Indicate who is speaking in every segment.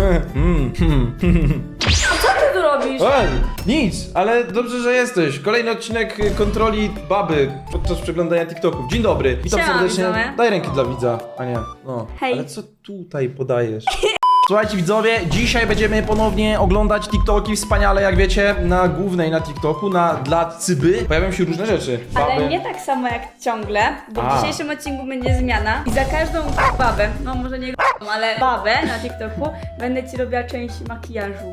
Speaker 1: Co ty tu robisz?
Speaker 2: Nic, ale dobrze, że jesteś. Kolejny odcinek kontroli baby podczas przeglądania TikToków. Dzień dobry, witam
Speaker 1: Siema,
Speaker 2: serdecznie.
Speaker 1: widzowie.
Speaker 2: Daj rękę dla widza, a nie. No.
Speaker 1: Hej.
Speaker 2: Ale co tutaj podajesz? Słuchajcie widzowie, dzisiaj będziemy ponownie oglądać TikToki, wspaniale jak wiecie, na głównej na TikToku, dla Cyby pojawią się różne rzeczy.
Speaker 1: Ale nie tak samo jak ciągle, bo w dzisiejszym odcinku będzie zmiana i za każdą babę, no może nie ale babę na TikToku będę ci robiła część makijażu.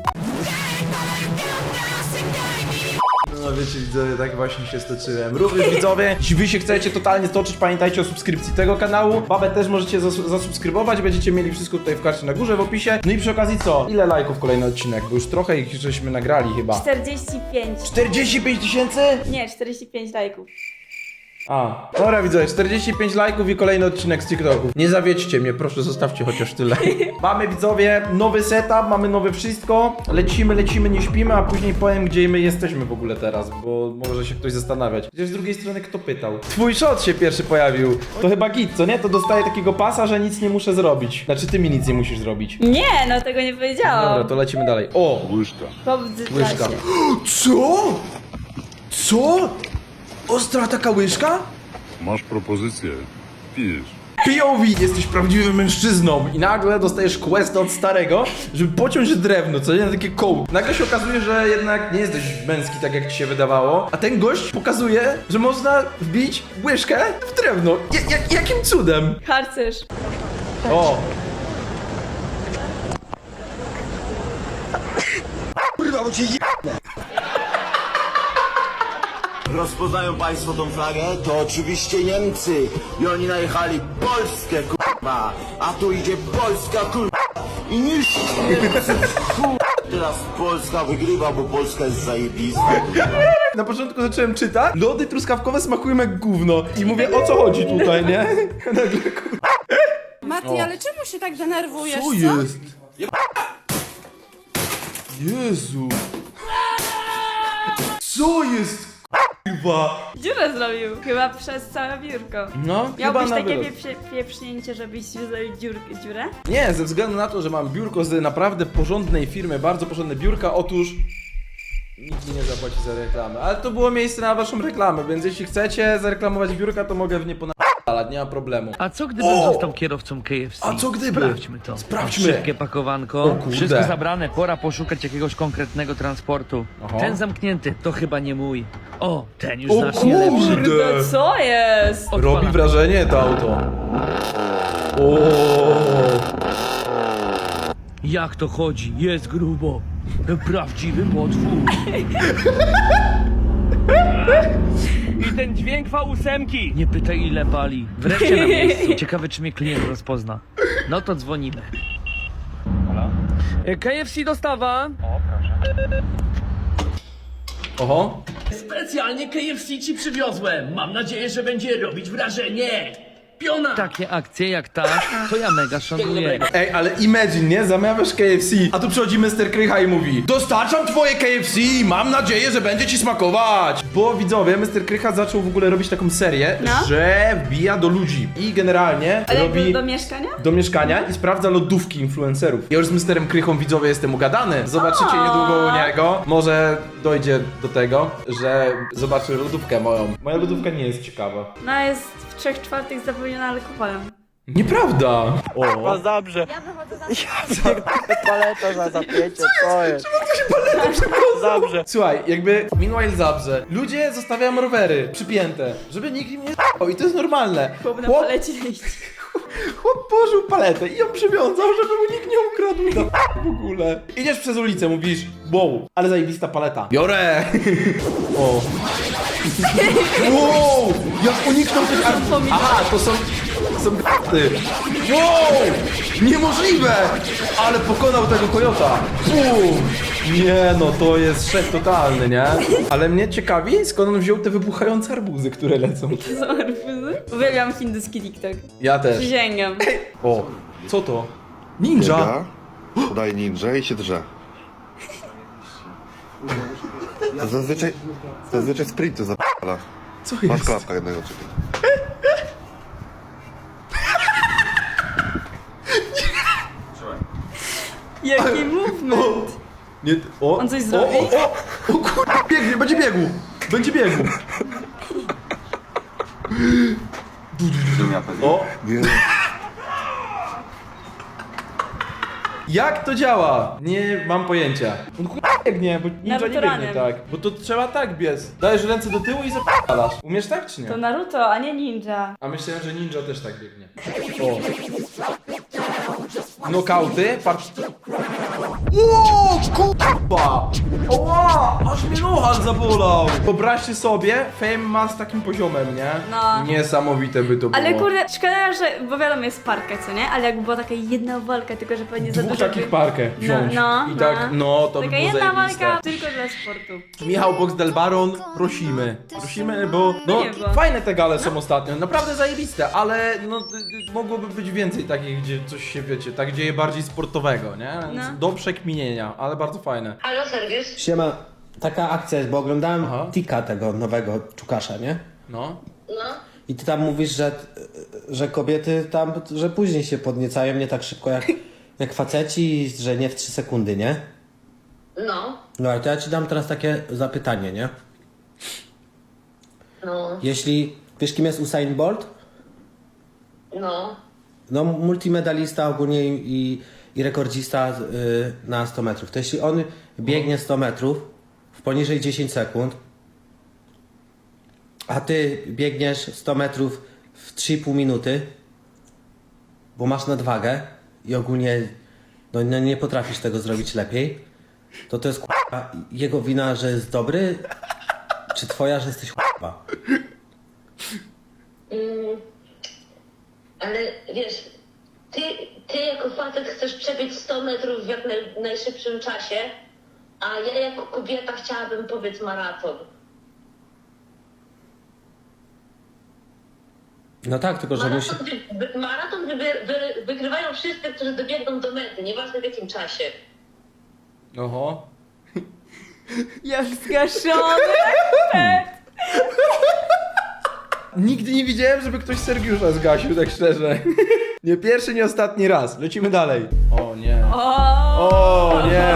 Speaker 2: No wiecie widzowie, tak właśnie się stoczyłem. Również widzowie, jeśli wy się chcecie totalnie stoczyć, pamiętajcie o subskrypcji tego kanału. Babę też możecie zasubskrybować, będziecie mieli wszystko tutaj w karcie na górze, w opisie. No i przy okazji co? Ile lajków kolejny odcinek? Bo już trochę ich żeśmy nagrali chyba.
Speaker 1: 45.
Speaker 2: 45 tysięcy?
Speaker 1: Nie, 45 lajków.
Speaker 2: A, dobra widzowie, 45 lajków i kolejny odcinek z TikToku. Nie zawiedźcie mnie, proszę, zostawcie chociaż tyle. Mamy widzowie nowy setup, mamy nowe wszystko. Lecimy, nie śpimy, a później powiem, gdzie my jesteśmy w ogóle teraz, bo może się ktoś zastanawiać. Chociaż z drugiej strony kto pytał? Twój shot się pierwszy pojawił. To chyba git, co nie? To dostaję takiego pasa, że nic nie muszę zrobić. Znaczy ty mi nic nie musisz zrobić.
Speaker 1: Nie, no tego nie powiedziałam.
Speaker 2: Dobra, to lecimy dalej. O!
Speaker 3: Łyżka.
Speaker 2: Łyżka. Co? Co? Ostra taka łyżka?
Speaker 3: Masz propozycję. Pijesz.
Speaker 2: POV, jesteś prawdziwym mężczyzną i nagle dostajesz quest od starego, żeby pociąć drewno, co nie, na takie koło. Nagle się okazuje, że jednak nie jesteś męski tak jak ci się wydawało, a ten gość pokazuje, że można wbić łyżkę w drewno. Jakim cudem?
Speaker 1: Harcerz.
Speaker 2: O!
Speaker 4: Rozpoznają państwo tą flagę? To oczywiście Niemcy i oni najechali Polskę, kurwa, a tu idzie Polska, kurwa, i niszczy Niemców, kurwa. Teraz Polska wygrywa, bo Polska jest zajebista.
Speaker 2: Na początku zacząłem czytać, lody truskawkowe smakują jak gówno i mówię, o co chodzi tutaj, nie? Nagle kurwa.
Speaker 5: Mati, ale czemu się tak denerwujesz?
Speaker 2: Co jest? Jezu. Co jest? Kurwa.
Speaker 1: Dziurę zrobił. Chyba przez całe biurko.
Speaker 2: No, chyba
Speaker 1: Miałbyś
Speaker 2: na
Speaker 1: takie
Speaker 2: wylot.
Speaker 1: pieprznięcie, żebyś zrobił dziurę?
Speaker 2: Nie, ze względu na to, że mam biurko z naprawdę porządnej firmy, bardzo porządne biurka, otóż nikt mi nie zapłaci za reklamę. Ale to było miejsce na waszą reklamę, więc jeśli chcecie zareklamować biurka, to mogę w nie ponadalać, nie ma problemu.
Speaker 6: A co gdybym został kierowcą KFC?
Speaker 2: A co gdyby?
Speaker 6: Sprawdźmy to.
Speaker 2: Sprawdźmy.
Speaker 6: Szybkie pakowanko.
Speaker 2: O kurde.
Speaker 6: Wszystko zabrane, pora poszukać jakiegoś konkretnego transportu.
Speaker 2: Aha.
Speaker 6: Ten zamknięty, to chyba nie mój. O, ten już
Speaker 2: O
Speaker 6: znacznie lepszy.
Speaker 2: kurde.
Speaker 1: No co jest?
Speaker 2: Robi
Speaker 6: Odpalam.
Speaker 2: wrażenie to auto. O.
Speaker 6: Jak to chodzi? Jest grubo. Prawdziwy potwór. I ten dźwięk V8. Nie pytaj ile pali. Wreszcie na miejscu. Ciekawe czy mnie klient rozpozna. No to dzwonimy. KFC dostawa.
Speaker 2: Oho.
Speaker 7: Specjalnie KFC ci przywiozłem. Mam nadzieję, że będzie robić wrażenie. Piona!
Speaker 6: Takie akcje jak ta, to ja mega szanuję.
Speaker 2: Ej, ale imagine, nie? Zamawiasz KFC, a tu przychodzi Mr. Krycha i mówi: dostarczam twoje KFC, mam nadzieję, że będzie ci smakować. Bo widzowie, Mr. Krycha zaczął w ogóle robić taką serię,
Speaker 1: No.
Speaker 2: że wbija do ludzi i generalnie
Speaker 1: Ale
Speaker 2: robi
Speaker 1: do mieszkania?
Speaker 2: do mieszkania i sprawdza lodówki influencerów. Ja już z Mr. Krychą, widzowie, jestem ugadany. Zobaczycie niedługo u niego. Może dojdzie do tego, że zobaczy lodówkę moją. Moja lodówka nie jest ciekawa.
Speaker 1: No jest w 3/4 zapełniona alkoholem.
Speaker 2: Nieprawda! O.
Speaker 8: Dobrze. Paleta za zapięcie, co jest? Dobrze.
Speaker 2: Słuchaj, jakby meanwhile zabrze. Ludzie zostawiają rowery przypięte, żeby nikt im nie z***ał i to jest normalne.
Speaker 1: Chłop na palecie jeździ.
Speaker 2: Chłop położył paletę i ją przywiązał, żeby mu nikt nie ukradł w ogóle. Idziesz przez ulicę, mówisz, wow, ale zajebista paleta. Biorę! O. Wow! Jak uniknął tych Aha, to są graty. Wow! Niemożliwe! Ale pokonał tego kojota. Nie no, to jest szef totalny, nie? Ale mnie ciekawi, skąd on wziął te wybuchające arbuzy, które lecą.
Speaker 1: To są arbuzy? Uwielbiam hinduski TikTok.
Speaker 2: Ja też.
Speaker 1: Przysięgam.
Speaker 2: O, co to? Ninja?
Speaker 9: Daj ninja i się drze. Zazwyczaj sprintu zapala.
Speaker 2: Co
Speaker 9: Masz
Speaker 2: jest?
Speaker 9: klapka jednego czeka.
Speaker 1: Jaki movement!
Speaker 2: Nie, o,
Speaker 1: On coś zrobi?
Speaker 2: O kurwa, biegnie, będzie biegł! Będzie biegł! O! Jak to działa? Nie mam pojęcia. On kurwa biegnie, bo ninja nie biegnie
Speaker 1: Naturalnym.
Speaker 2: tak. Bo to trzeba tak biec. Dajesz ręce do tyłu i zapalasz. Umiesz tak czy nie?
Speaker 1: To Naruto, a nie ninja.
Speaker 2: A myślałem, że ninja też tak biegnie. O. Nokauty, patrz. Ło, kurwa! Oła, aż mnie nohal zabolał! Wyobraźcie sobie, Fame ma z takim poziomem, nie?
Speaker 1: No.
Speaker 2: Niesamowite by to było.
Speaker 1: Ale kurde, szkoda, że, bo wiadomo jest parkę, co nie? Ale jakby była taka jedna walka, tylko że pewnie za
Speaker 2: Dwóch
Speaker 1: dużo
Speaker 2: takich
Speaker 1: by...
Speaker 2: parkę wziąć.
Speaker 1: No,
Speaker 2: I tak, no to by
Speaker 1: Taka
Speaker 2: było
Speaker 1: jedna
Speaker 2: zajebiste.
Speaker 1: walka tylko dla sportu.
Speaker 2: Michał Box del Baron, prosimy. Prosimy, bo no
Speaker 1: Nie, bo-
Speaker 2: fajne te gale są ostatnio, naprawdę zajebiste, ale no mogłoby być więcej takich, gdzie coś się wiecie, tak dzieje bardziej sportowego, nie?
Speaker 1: No.
Speaker 2: Do przekminienia, ale bardzo fajne.
Speaker 10: Halo, serwis?
Speaker 8: Siema, taka akcja jest, bo oglądałem
Speaker 2: Aha.
Speaker 8: Tika, tego nowego Czukasza, nie?
Speaker 2: No.
Speaker 10: No,
Speaker 8: I ty tam mówisz, że kobiety tam, że później się podniecają nie tak szybko jak faceci, że nie w 3 sekundy, nie?
Speaker 10: no,
Speaker 8: No ale to ja ci dam teraz takie zapytanie, nie?
Speaker 10: no,
Speaker 8: Jeśli, wiesz kim jest Usain Bolt?
Speaker 10: no.
Speaker 8: No multimedalista ogólnie i rekordzista na 100 metrów. To jeśli on biegnie 100 metrów w poniżej 10 sekund, a ty biegniesz 100 metrów w 3,5 minuty, bo masz nadwagę i ogólnie no, nie potrafisz tego zrobić lepiej, to jest k***a, jego wina, że jest dobry, czy twoja, że jesteś k***a?
Speaker 10: Ale wiesz, ty jako facet chcesz przebiec 100 metrów w jak najszybszym czasie, a ja jako kobieta chciałabym pobiec maraton.
Speaker 8: No tak, tylko że musi...
Speaker 10: Maraton wygrywają wszyscy, którzy dobiegną do mety, nieważne w jakim czasie.
Speaker 2: Oho.
Speaker 1: Jak zgaszony!
Speaker 2: Nigdy nie widziałem, żeby ktoś Sergiusza zgasił, tak szczerze. Nie pierwszy, nie ostatni raz. Lecimy dalej. O nie. O nie.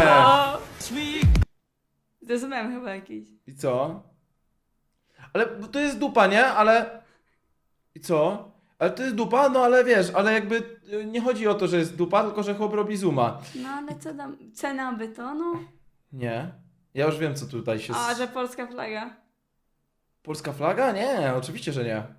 Speaker 1: Zrozumiałem chyba jakiś.
Speaker 2: I co? Ale bo to jest dupa, nie? Ale... I co? Ale to jest dupa, no ale wiesz, ale jakby nie chodzi o to, że jest dupa, tylko że chłop robi zooma.
Speaker 1: No ale co tam, cena betonu?
Speaker 2: Nie. Ja już wiem, co tutaj się...
Speaker 1: A, że polska flaga.
Speaker 2: Polska flaga? Nie, oczywiście, że nie.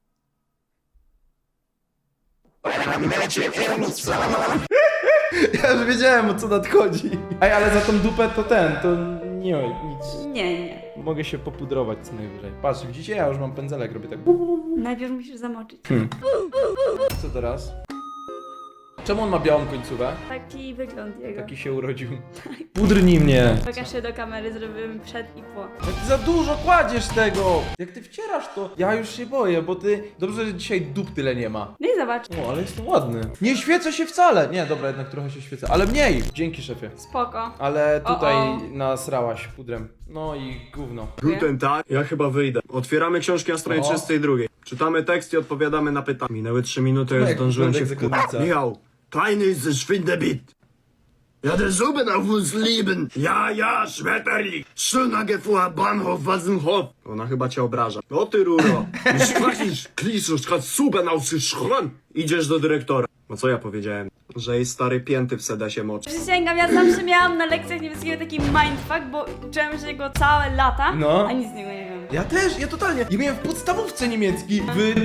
Speaker 2: Ja już wiedziałem, o co nadchodzi. Ej, ale za tą dupę to to nie, nic.
Speaker 1: Nie.
Speaker 2: Mogę się popudrować co najwyżej. Patrz, widzicie? Ja już mam pędzelek, robię tak.
Speaker 1: Najpierw musisz zamoczyć.
Speaker 2: Co teraz? Czemu on ma białą końcówkę?
Speaker 1: Taki wygląd jego.
Speaker 2: Taki się urodził. Pudrnij mnie.
Speaker 1: Pokaż się do kamery, zrobimy przed i po.
Speaker 2: Jak ty za dużo kładziesz tego! Jak ty wcierasz to, ja już się boję, bo ty... Dobrze, że dzisiaj dup tyle nie ma.
Speaker 1: No i zobacz.
Speaker 2: O, ale jestem ładny. Nie świecę się wcale! Nie, dobra, jednak trochę się świecę, ale mniej! Dzięki, szefie.
Speaker 1: Spoko.
Speaker 2: Ale tutaj
Speaker 1: O.
Speaker 2: nasrałaś pudrem. No i gówno.
Speaker 1: Guten
Speaker 11: Tak, ja chyba wyjdę. Otwieramy książki na stronie
Speaker 2: O.
Speaker 11: 32. Czytamy tekst i odpowiadamy na pytania. Minęły 3 minuty,
Speaker 2: No
Speaker 11: ja
Speaker 2: jak
Speaker 11: zdążyłem się
Speaker 2: wygląda
Speaker 11: wkurzyć.
Speaker 2: egzekucja.
Speaker 11: Michał, kleine ist Schwindebit. Ja, der Suben auf uns lieben. Ja, Schmetterling. Schöner Gefuhr, Bahnhof, Wassenhof. Ona chyba cię obraża. O ty ruro. Sprachisz, kliszusz, kad Suben auf sich schron. Idziesz do dyrektora. No co ja powiedziałem? Że jej stary pięty w sedesie moczy.
Speaker 1: Przysięgam, ja zawsze miałam na lekcjach niebieskiego taki mindfuck, bo uczyłem się go całe lata,
Speaker 2: No.
Speaker 1: a nic z niego nie wiem.
Speaker 2: Ja też, ja totalnie. Ja miałem w podstawówce niemiecki.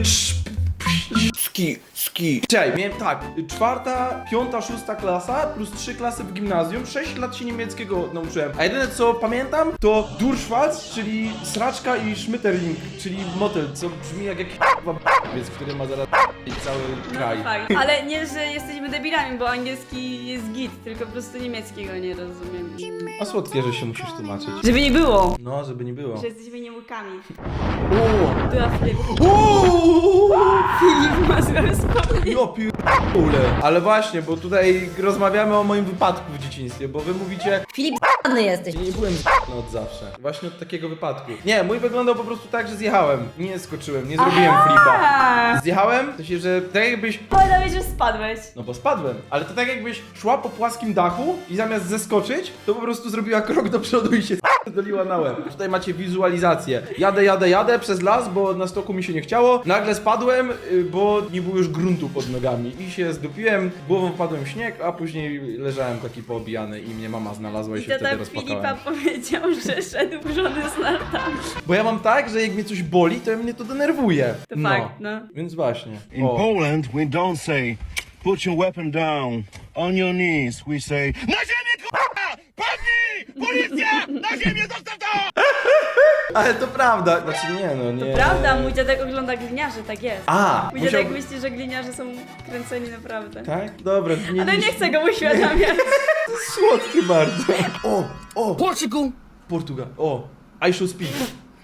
Speaker 2: Ski. Czekaj, miałem tak, 4., 5., 6. klasa plus 3 klasy w gimnazjum, 6 lat się niemieckiego nauczyłem. A jedyne co pamiętam to Durchwalz, czyli sraczka i Schmetterling, czyli motyl, co brzmi jak jakiś k***wiec, który ma zaraz cały kraj.
Speaker 1: No fakt. Ale nie, że jesteśmy debilami, bo angielski jest git, tylko po prostu niemieckiego nie rozumiem.
Speaker 2: A słodkie, że się musisz tłumaczyć.
Speaker 1: Żeby nie było,
Speaker 2: No, żeby nie było.
Speaker 1: że jesteśmy niemłykami.
Speaker 2: O!
Speaker 1: Była Filip.
Speaker 2: Uuu!
Speaker 1: Filip ma złe wspomnienie.
Speaker 2: No pierdolę. Ale właśnie, bo tutaj rozmawiamy o moim wypadku w dzieciństwie, bo wy mówicie,
Speaker 1: Filip, z***ny jesteś.
Speaker 2: nie byłem z***ny od zawsze. Właśnie od takiego wypadku. Nie, mój wyglądał po prostu tak, że zjechałem. Nie skoczyłem, nie zrobiłem flipa. Zjechałem, w sensie, że tak jakbyś...
Speaker 1: Powiedziałeś, że spadłeś.
Speaker 2: No bo spadłem, ale to tak jakbyś szła po płaskim dachu i zamiast zeskoczyć, to po prostu zrobiła krok do przodu i się doliła na łeb. Tutaj macie wizualizację. Jadę przez las, bo na stoku mi się nie chciało. Nagle spadłem, bo nie było już gruntu pod nogami i się zdupiłem, głową wpadłem w śnieg, a później leżałem taki poobijany i mnie mama znalazła i
Speaker 1: I
Speaker 2: się wtedy
Speaker 1: tata
Speaker 2: rozpłakałem.
Speaker 1: Filipa powiedział, że szedł żony z nartami.
Speaker 2: Bo ja mam tak, że jak mnie coś boli, to mnie to denerwuje.
Speaker 1: To fakt, no.
Speaker 2: Więc właśnie.
Speaker 4: In
Speaker 2: O.
Speaker 4: Poland, we don't say, put your weapon down, on your knees. We say, na ziemię, k***a! Padnij! Policja! Na ziemię, zostaw to!
Speaker 2: Ale to prawda. Znaczy nie, no nie.
Speaker 1: Prawda, mój dziadek ogląda gliniarzy, tak jest.
Speaker 2: A,
Speaker 1: Mój dziadek myśli, że gliniarze są kręceni naprawdę.
Speaker 2: Tak? Dobra.
Speaker 1: Ale nie chcę go uświadamiać.
Speaker 2: Słodki bardzo. O! Portugal. O! I shall speak.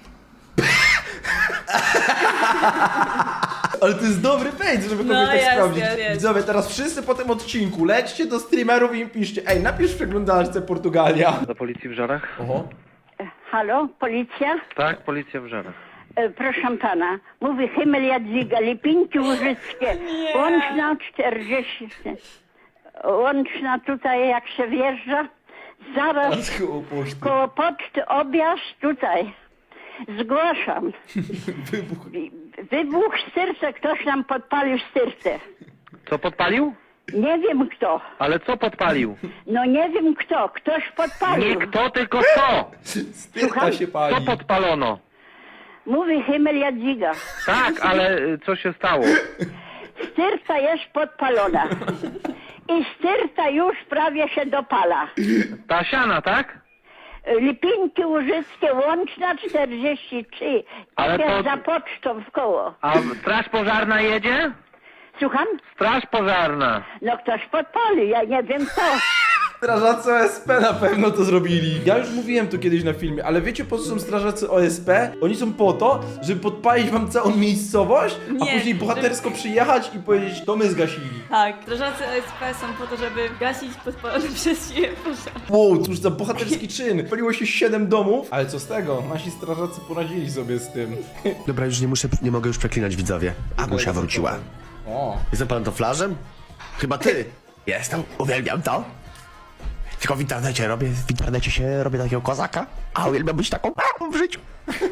Speaker 2: Ale to jest dobry page, żeby kogoś tak
Speaker 1: jest,
Speaker 2: sprawdzić.
Speaker 1: jest.
Speaker 2: Widzowie, teraz wszyscy po tym odcinku lećcie do streamerów i im piszcie: ej, napisz w przeglądarce Portugalia.
Speaker 6: Do policji w Żarach?
Speaker 2: Oho.
Speaker 5: Halo, policja?
Speaker 6: Tak, policja w Żarach.
Speaker 5: Proszę pana, mówi Himmel Jadwiga, Lipinki Łużyckie, łączna 40, łączna tutaj jak się wjeżdża, zaraz koło poczty objazd tutaj. Zgłaszam. Wybuch styrce, ktoś nam podpalił styrce.
Speaker 6: Co podpalił?
Speaker 5: Nie wiem kto.
Speaker 6: Ale co podpalił?
Speaker 5: No nie wiem kto, ktoś podpalił.
Speaker 6: Nie kto, tylko co?
Speaker 2: Styrta się
Speaker 6: Co
Speaker 2: pali.
Speaker 6: podpalono?
Speaker 5: Mówi Himmel Jadwiga.
Speaker 6: Tak, ale co się stało?
Speaker 5: Styrta jest podpalona. I styrta już prawie się dopala.
Speaker 6: Ta siana, tak?
Speaker 5: Lipinki Łużyckie, łączna 43.
Speaker 6: Ale
Speaker 5: Jak
Speaker 6: to-
Speaker 5: za pocztą w koło.
Speaker 6: A straż pożarna jedzie?
Speaker 5: Słucham?
Speaker 6: Straż pożarna.
Speaker 5: No ktoś podpalił, ja nie wiem kto.
Speaker 2: Strażacy OSP na pewno to zrobili. Ja już mówiłem to kiedyś na filmie, ale wiecie po co są strażacy OSP? Oni są po to, żeby podpalić wam całą miejscowość, a
Speaker 1: Nie,
Speaker 2: później bohatersko przyjechać i powiedzieć: to my zgasili.
Speaker 1: Tak, strażacy OSP są po to, żeby gasić podpalone przez siebie pożar.
Speaker 2: Wow, cóż za bohaterski czyn. Paliło się 7 domów, ale co z tego? Nasi strażacy poradzili sobie z tym.
Speaker 11: Dobra, już nie mogę już przeklinać, widzowie. Agusia wróciła.
Speaker 2: O.
Speaker 11: Jestem pantoflarzem? Chyba ty. Jestem, uwielbiam to. Tylko w internecie się robię takiego kozaka, a uwielbiam być taką w życiu.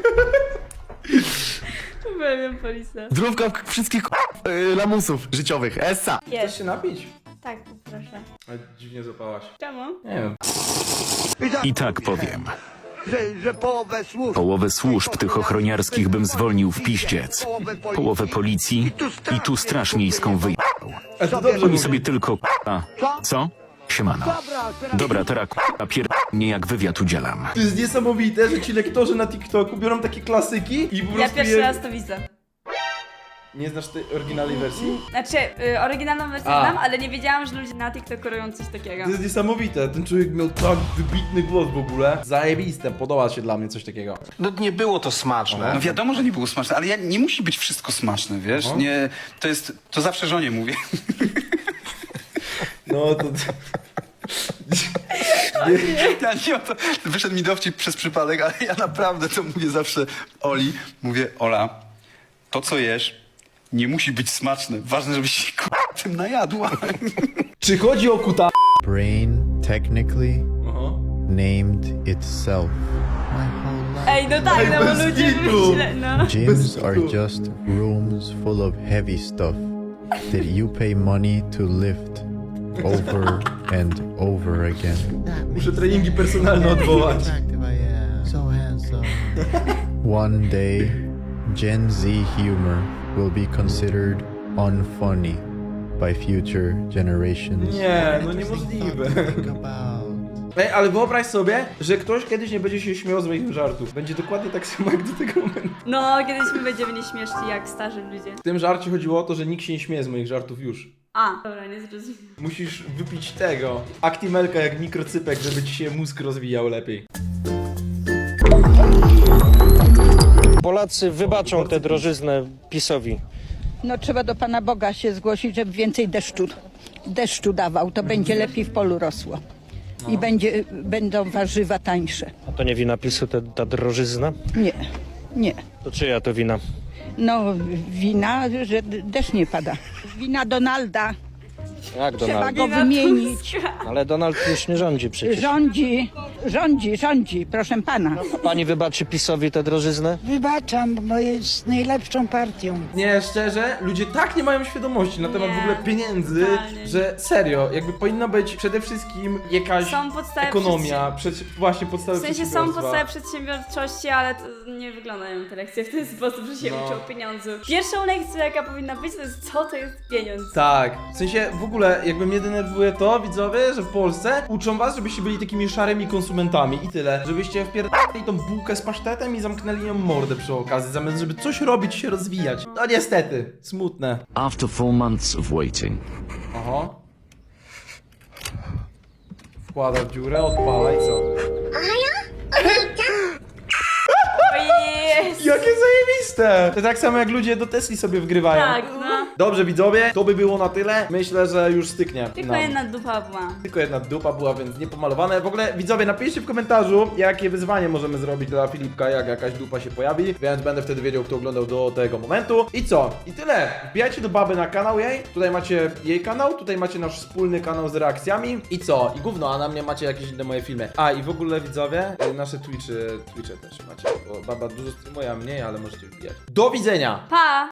Speaker 1: Uwielbiam policję.
Speaker 11: Zdrówka wszystkich lamusów życiowych, essa.
Speaker 2: Chcesz się napić?
Speaker 1: Tak, proszę.
Speaker 2: Ale dziwnie zapałaś.
Speaker 1: Czemu?
Speaker 2: Nie wiem.
Speaker 12: I tak powiem. Połowę służb tych ochroniarskich bym zwolnił w piździec. Połowę policji i tu straż miejską wyjechał.
Speaker 2: A to dobrze
Speaker 12: Oni
Speaker 2: mówi.
Speaker 12: sobie tylko co? Siemano. Dobra, teraz mnie jak wywiad udzielam.
Speaker 2: To jest niesamowite, że ci lektorzy na TikToku biorą takie klasyki i po
Speaker 1: Ja
Speaker 2: prostu
Speaker 1: pierwszy raz to widzę.
Speaker 2: Nie znasz tej oryginalnej wersji?
Speaker 1: Znaczy, oryginalną wersję
Speaker 2: A.
Speaker 1: znam, ale nie wiedziałam, że ludzie na TikToku robią coś takiego.
Speaker 2: To jest niesamowite. Ten człowiek miał tak wybitny głos w ogóle. Zajebiste, podoba się dla mnie coś takiego.
Speaker 11: No nie było to smaczne.
Speaker 13: No wiadomo, że nie było smaczne, ale nie musi być wszystko smaczne, wiesz? Nie, to zawsze żonie mówię.
Speaker 2: No to...
Speaker 13: Ja nie o to, wyszedł mi dowcip przez przypadek, ale ja naprawdę to mówię zawsze Oli. Mówię, Ola, to co jesz nie musi być smaczne. Ważne, żebyś się tym najadła.
Speaker 2: Czy chodzi o kuta...
Speaker 14: Brain technically named itself.
Speaker 1: Ej, no tak, no bo
Speaker 2: bez
Speaker 1: ludzie
Speaker 2: kitu.
Speaker 1: myślę, no.
Speaker 14: Gyms are just rooms full of heavy stuff that you pay money to lift over and over again.
Speaker 2: Muszę treningi personalne odwołać.
Speaker 14: One day, Gen Z humor will be considered unfunny by future generations.
Speaker 2: Nie, no niemożliwe. Ej, ale wyobraź sobie, że ktoś kiedyś nie będzie się śmiał z moich żartów. Będzie dokładnie tak samo jak do tego momentu.
Speaker 1: No, kiedyś my będziemy nieśmieszni jak starzy ludzie.
Speaker 2: W tym żarcie chodziło o to, że nikt się nie śmieje z moich żartów już.
Speaker 1: A, dobra, nie zrozumiałam.
Speaker 2: Musisz wypić tego. Actimelka jak mikrocypek, żeby ci się mózg rozwijał lepiej.
Speaker 15: Polacy wybaczą tę drożyznę PiS-owi.
Speaker 5: No trzeba do Pana Boga się zgłosić, żeby więcej deszczu dawał. To będzie lepiej w polu rosło. I będą warzywa tańsze.
Speaker 6: A to nie wina PiS-u ta drożyzna?
Speaker 5: Nie.
Speaker 6: To czyja to wina?
Speaker 5: No wina, że deszcz nie pada. Wina Donalda.
Speaker 6: Jak
Speaker 5: Trzeba go wymienić.
Speaker 6: Ale Donald już nie rządzi przecież.
Speaker 5: Rządzi, proszę pana.
Speaker 6: Pani wybaczy PiS-owi tę drożyznę?
Speaker 5: Wybaczam, bo jest najlepszą partią.
Speaker 2: Nie, szczerze, ludzie tak nie mają świadomości na temat w ogóle pieniędzy,
Speaker 1: totalnie.
Speaker 2: że serio, jakby powinna być przede wszystkim jakaś
Speaker 1: Są podstawy
Speaker 2: ekonomia, właśnie podstawy
Speaker 1: W sensie są
Speaker 2: przedsiębiorstwa.
Speaker 1: podstawy przedsiębiorczości, ale to nie wyglądają te lekcje w ten sposób, że się
Speaker 2: No.
Speaker 1: uczą pieniądzu. Pierwszą lekcją, jaka powinna być, to jest co to jest pieniądz.
Speaker 2: Tak, w sensie w ogóle jakby mnie denerwuje to, widzowie, że w Polsce uczą was, żebyście byli takimi szarymi konsumentami i tyle. Żebyście wpierdali tą bułkę z pasztetem i zamknęli ją mordę przy okazji, zamiast żeby coś robić, się rozwijać. No niestety, smutne.
Speaker 12: After 4 months of waiting.
Speaker 2: Aha. Wkłada w dziurę, odpala i co?
Speaker 1: Ojej!
Speaker 2: Jakie zajebiste! To tak samo jak ludzie do Tesli sobie wgrywają.
Speaker 1: Tak, no.
Speaker 2: Dobrze widzowie, to by było na tyle. Myślę, że już styknie.
Speaker 1: Tylko
Speaker 2: nam.
Speaker 1: jedna dupa była.
Speaker 2: Tylko jedna dupa była, więc niepomalowane. W ogóle widzowie, napiszcie w komentarzu, jakie wyzwanie możemy zrobić dla Filipka, jak jakaś dupa się pojawi, więc będę wtedy wiedział, kto oglądał do tego momentu. I co? I tyle. Wbijajcie do baby na kanał jej. Tutaj macie jej kanał, tutaj macie nasz wspólny kanał z reakcjami. I co? I gówno, a na mnie macie jakieś inne moje filmy. A i w ogóle widzowie, nasze Twitche też macie. Bo baba dużo streamuje, a mniej, ale możecie wbijać. Do widzenia!
Speaker 1: Pa!